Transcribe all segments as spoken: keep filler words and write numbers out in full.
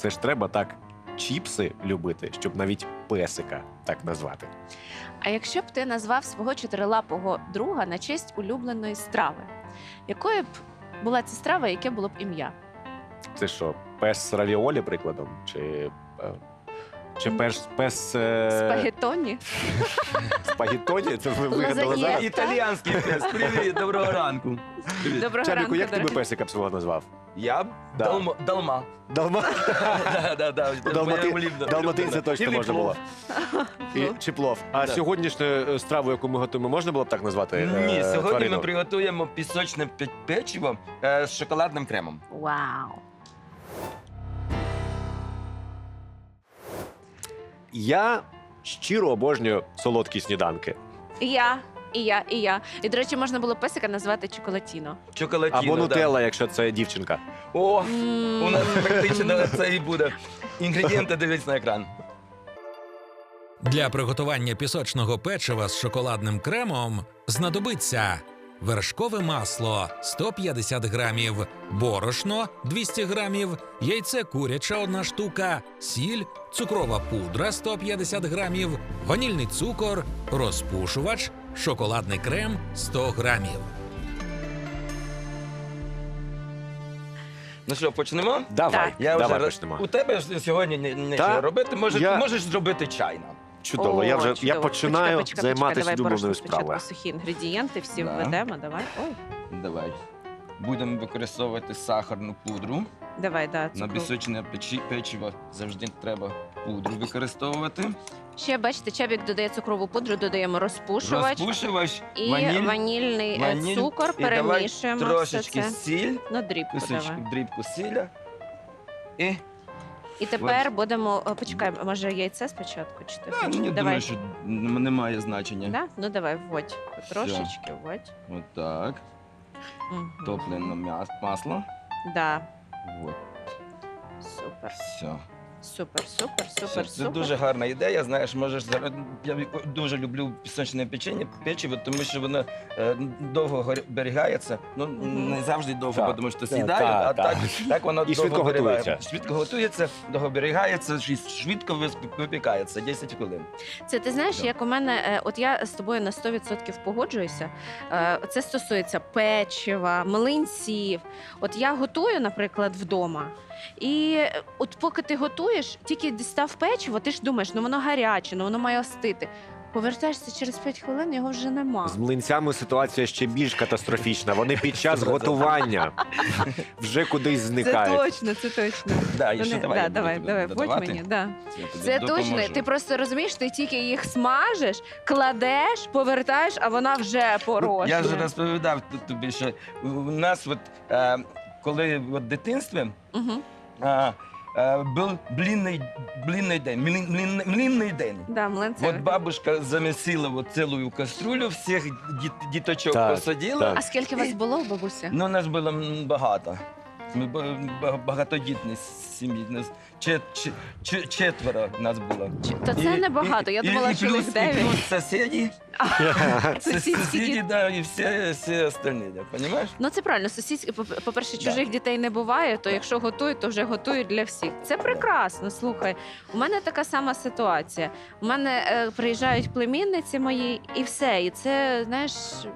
Це ж треба так чіпси любити, щоб навіть песика так назвати. А якщо б ти назвав свого чотирилапого друга на честь улюбленої страви, якою б була ця страва, яке було б ім'я? Це що, пес равіолі, прикладом? Чи, е, чи пес... пес е... Спагеттоні? спагеттоні? Це ви вигадали Лазаньє. зараз? Італіянський пес. Привіт, доброго ранку. Привіт. Доброго Чарліку, ранку, як ти би дорогі. песика б свого назвав? Я б Да. Далма. Далма. Далма... Да, да, да. Далмати- Моя улюблена. Далматинця точно Ілі можна було. плов. І, чи плов. А Да. сьогоднішню е, страву, яку ми готуємо, можна було б так назвати? е, Ні, сьогодні тварину? ми приготуємо пісочне пе- печиво е, з шоколадним кремом. Вау! Я щиро обожнюю солодкі сніданки. І я, і я, і я. І, до речі, можна було песика назвати Чоколатіно. Чоколатіно, Або да. нутелла, якщо це дівчинка. О, М. у нас практично це і буде. Інгредієнти дивись на екран. Для приготування пісочного печива з шоколадним кремом знадобиться вершкове масло сто п'ятдесят грамів, борошно двісті грамів, яйце куряче одна штука, сіль, цукрова пудра сто п'ятдесят грамів, ванільний цукор, розпушувач, шоколадний крем сто грамів. Ну що, почнемо? Давай, Так. Я давай вже почнемо. У тебе ж сьогодні ні- нічого Та, робити. Можеш, я- можеш зробити чайно. Чудово, О, я вже я чудово. починаю Почекай, почекай, займатися почекай, давай улюбленою борошно спочатку, справою. сухі інгредієнти всі Да. введемо, давай. Ой, Давай. Будемо використовувати сахарну пудру. давай, да, На цукру. пісочне печі- печиво завжди треба пудру використовувати. Ще, бачите, Чабік додає цукрову пудру, додаємо розпушувач Розпушувач, і ваніль, ванільний е, ваніль. цукор, І давай перемішуємо трошечки все це. сіль, На дрібку кусочки давай. дрібку сіля. І І тепер будемо, о, почекай, може яйце спочатку, чи ти а, хочеш? я Давай. думаю, що н- немає значення. Да? Ну давай, вводь. Трошечки вводь. Отак. Мгм. Топлене м'яс- масло. Да. От, Супер, все. супер, супер, Все, супер, це супер. дуже гарна ідея. Знаєш, можеш зараз. Я дуже люблю пісочне печення, печиво, тому що воно е, довго гор- зберігається. Ну Мгм. не завжди довго, Так, тому що так, сідає, так, а так. так, так воно І довго швидко зберігає. готується. Швидко готується, довго зберігається, швид- швидко вис- випікається, десять хвилин. Це ти знаєш, Да. як у мене, е, от я з тобою на сто відсотків погоджуюся. Е, Це стосується печива, млинців. От я готую, наприклад, вдома. І е, от поки ти готуєш, тільки дістав печиво, ти ж думаєш, ну воно гаряче, ну воно має остити. Повертаєшся через п'ять хвилин, його вже нема. З млинцями ситуація ще більш катастрофічна. Вони під час готування вже кудись Це зникають. точно, це точно. Да, і Вони- ще давай, да, я буду давай, тобі давай, вводь додавати. мені. Да. Я тобі Це допоможу. точно. Ти просто розумієш, ти тільки їх смажеш, кладеш, повертаєш, а вона вже порожня. Я вже розповідав т- тобі, що у нас, от, е, коли от в дитинстві, Угу. е, е, був блінний, блінний день, млін, млін, млінний день. Да, млинці. От бабушка замісила от цілу каструлю, всіх діт, діточок Так, посадила. так. А скільки вас було в бабусі? Ну, нас було м, багато. Ми б- ба- багатодітні сім'ї. Нас чет, чет, чет, четверо нас було. Чи- Та це І- небагато. Я і- думала, і що плюс, їх і дев'ять. плюс сусіди, Сусідські сусіди, діти. да, і всі, всі остальні, да, розумієш? Ну це правильно. Сусідські, по- по-перше, Да. чужих дітей не буває, то якщо готують, то вже готують для всіх. Це прекрасно. Слухай, у мене така сама ситуація. У мене е, приїжджають племінниці мої, і все. І це, знаєш,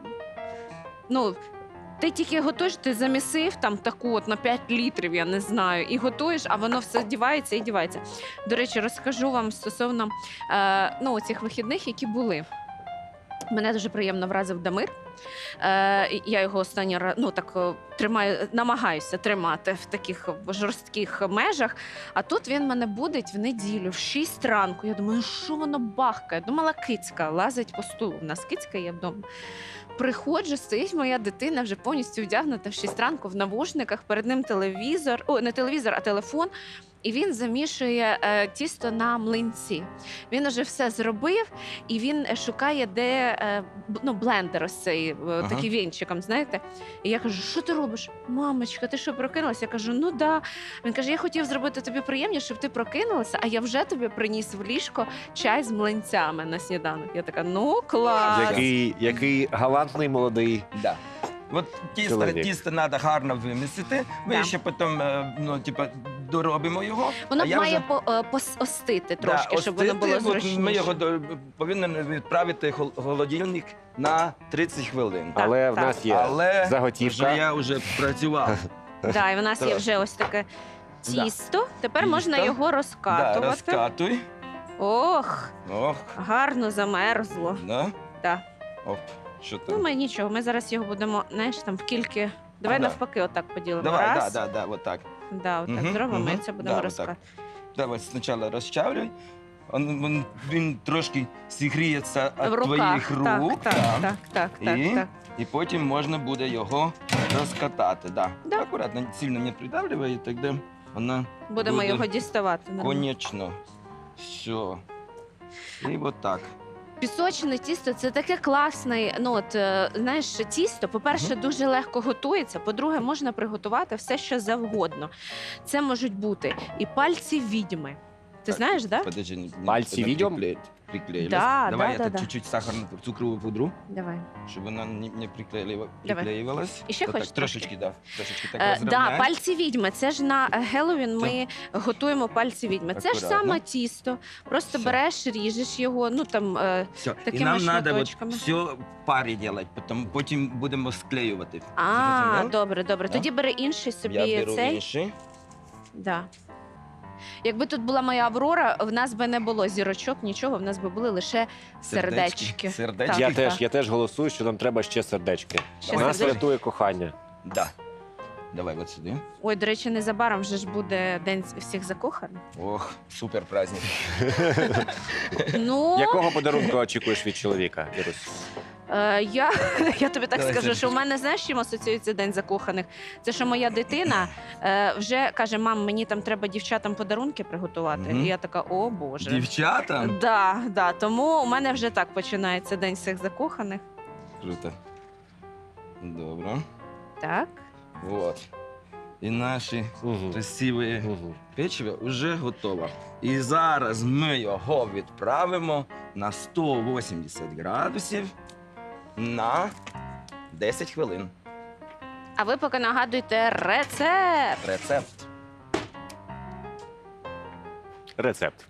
ну. Ти тільки готуєш, ти замісив там таку от на п'ять літрів, я не знаю, і готуєш, а воно все дівається і дівається. До речі, розкажу вам стосовно е, ну, цих вихідних, які були. Мене дуже приємно вразив Дамир. Е, і я його останній раз ну, так, е, тримаю, намагаюся тримати в таких жорстких межах. А тут він мене будить в неділю, в шість ранку. Я думаю, ну що воно бахкає? Думала, кицька лазить по стулу. У нас кицька є вдома. Приходжу, стоїть моя дитина вже повністю вдягнута в шість ранку в навушниках, перед ним телевізор, о, не телевізор, а телефон. І він замішує е, тісто на млинці. Він уже все зробив, і він е, шукає, де е, б- ну, блендер ось цей, е, Ага. такий вінчиком, знаєте. І я кажу, що ти робиш? Мамочка, ти що, прокинулася? Я кажу, ну да. Він каже, я хотів зробити тобі приємніше, щоб ти прокинулася, а я вже тобі приніс в ліжко чай з млинцями на сніданок. Я така, ну клас. Який, який галантний молодий. Да. От тісто, Чоловік. тісто треба гарно вимісити. Ви Да. ще потім, е, ну, типа, доробимо його. Воно а я має вже... по, е, пос- остити трошки, Да, щоб воно остити, було от зручніше. Ми його до... повинні відправити в хол- холодильник на тридцять хвилин. Так, Але в так. нас є Але заготівка. вже я вже працював. Да, і в нас є Так. вже ось таке тісто. Тепер Тісто. можна його Да, розкатувати. розкатуй. Ох, Ох, гарно замерзло. да. Да. Оп, що Ну, там? ми нічого, ми зараз його будемо, знаєш, там в кільки. Давай Да. навпаки, отак поділимо. Давай, Раз. да, да, да, вот так. Да, отак Мгм, зробимо мгм. і це будемо Да, розкатувати. Давай спочатку розчавлюй. Он, він, він трошки зігріється В від руках. твоїх рук. Так, да. так, так, так, І? так, так. І потім можна буде його розкатати. Да. Да. Акуратно, сильно не придавлювай, і тоді вона Будемо буде його діставати. нормально. конечно. Все. І от так. Пісочне тісто це таке класне. Ну от е, знаєш, тісто, по-перше, дуже легко готується. По-друге, можна приготувати все, що завгодно. Це можуть бути і пальці відьми. Ти Так, знаєш, да? Подожди, не, Пальці вона відьом? приклеїть- приклеїлась. Да, Давай да, я да, да. чуть-чуть сахарну цукрову пудру, Давай. щоб вона не, не приклеїла- Давай. приклеювалась. І ще Отак, хочеш трошечки, да. Трошечки так Е, да, розрівняй. пальці відьми. Це ж на е, Геловін ми готуємо пальці відьми. Це ж Акуратно. саме тісто. Просто Все. береш, ріжеш його. Ну там е, Все. І такими нам треба шматочками. все в парі робити, потім, потім будемо склеювати. а, Зрозумів? добре, добре. Да? Тоді бери інший собі Я беру цей. інший. Да. Якби тут була моя Аврора, в нас би не було зірочок, нічого, в нас би були лише сердечки. Сердечки. Я Так, теж, так. я теж голосую, що нам треба ще сердечки. Ще Нас сердечки. рятує кохання. Да. Давай от сюди. Ой, до речі, незабаром вже ж буде День всіх закоханих. Ох, супер праздник. Ну, Якого подарунку очікуєш від чоловіка, Ірусь? е, я, я тобі так Давай, скажу, Сергій. що в мене, знаєш, чим асоціюється День закоханих? Це що моя дитина е, вже каже: мам, мені там треба дівчатам подарунки приготувати. Мгм. І я така, о Боже. Дівчата? Да, да, тому у мене вже так починається День всіх закоханих. Круто. Добре. Так. Вот. І наші Угу. красиві Угу. печиво вже готово. І зараз ми його відправимо на сто вісімдесят градусів на десять хвилин. А ви поки нагадуйте рецепт. Рецепт. Рецепт.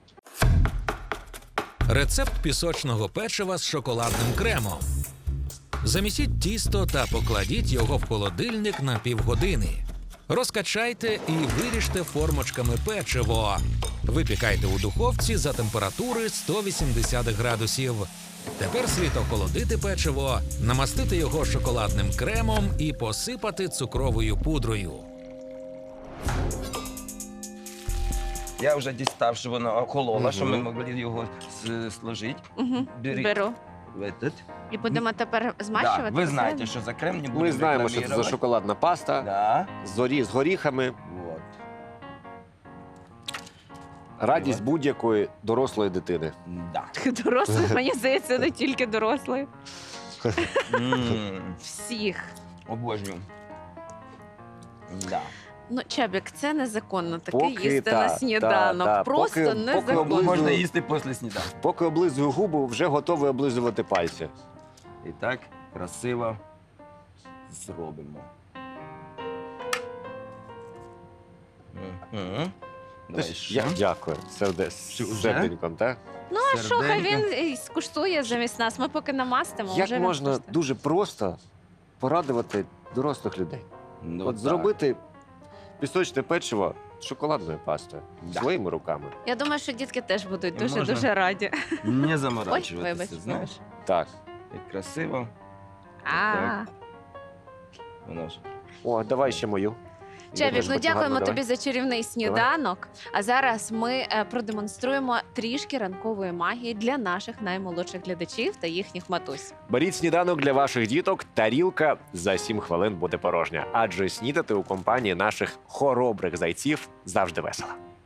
Рецепт пісочного печива з шоколадним кремом. Замісіть тісто та покладіть його в холодильник на півгодини. Розкачайте і виріжте формочками печиво. Випікайте у духовці за температури сто вісімдесят градусів. Тепер слід охолодити печиво, намастити його шоколадним кремом і посипати цукровою пудрою. Я вже дістав, що воно охололо, Мгм. щоб ми могли його с- сложити. Угу. Беріть. Беру. В этот. І будемо тепер змащувати. Да, ви знаєте, правильно? що за крем не будемо Ми знаємо, що це за рекламувати. шоколадна паста Да. з горі- з горіхами. Вот. Радість будь-якої дорослої дитини. Да. Дорослих, мені здається, не тільки дорослих. М, Всіх. Обожнюю. Да. Ну, Чебік, це незаконно таке Поки їсти та, на та, сніданок. та. Просто Поки- поки незаконно. облизую- Можна їсти після сніданку. Поки облизую губу, вже готовий облизувати пальці. І так красиво зробимо. Мгм. Давай ще. Я дякую. Серде... Що, з вже? серденьком, так? Ну, а що, хай Серденько. він і скуштує замість нас. Ми поки намастимо. вже Як він можна скуштує. дуже просто порадувати дорослих людей? Ну, От так. зробити пісочне печиво з шоколадною пастою Да. своїми руками. Я думаю, що дітки теж будуть І дуже-дуже можна- раді. Не Ой, заморачуватися, вибач, знаєш? вибач. Так. Як красиво. А, Так. Воно ж. О, давай ще мою. Я Чебік, теж ну хочу дякуємо гарно, тобі давай. за чарівний сніданок. А зараз ми е, продемонструємо трішки ранкової магії для наших наймолодших глядачів та їхніх матусь. Беріть сніданок для ваших діток. Тарілка за сім хвилин буде порожня. Адже снідати у компанії наших хоробрих зайців завжди весело.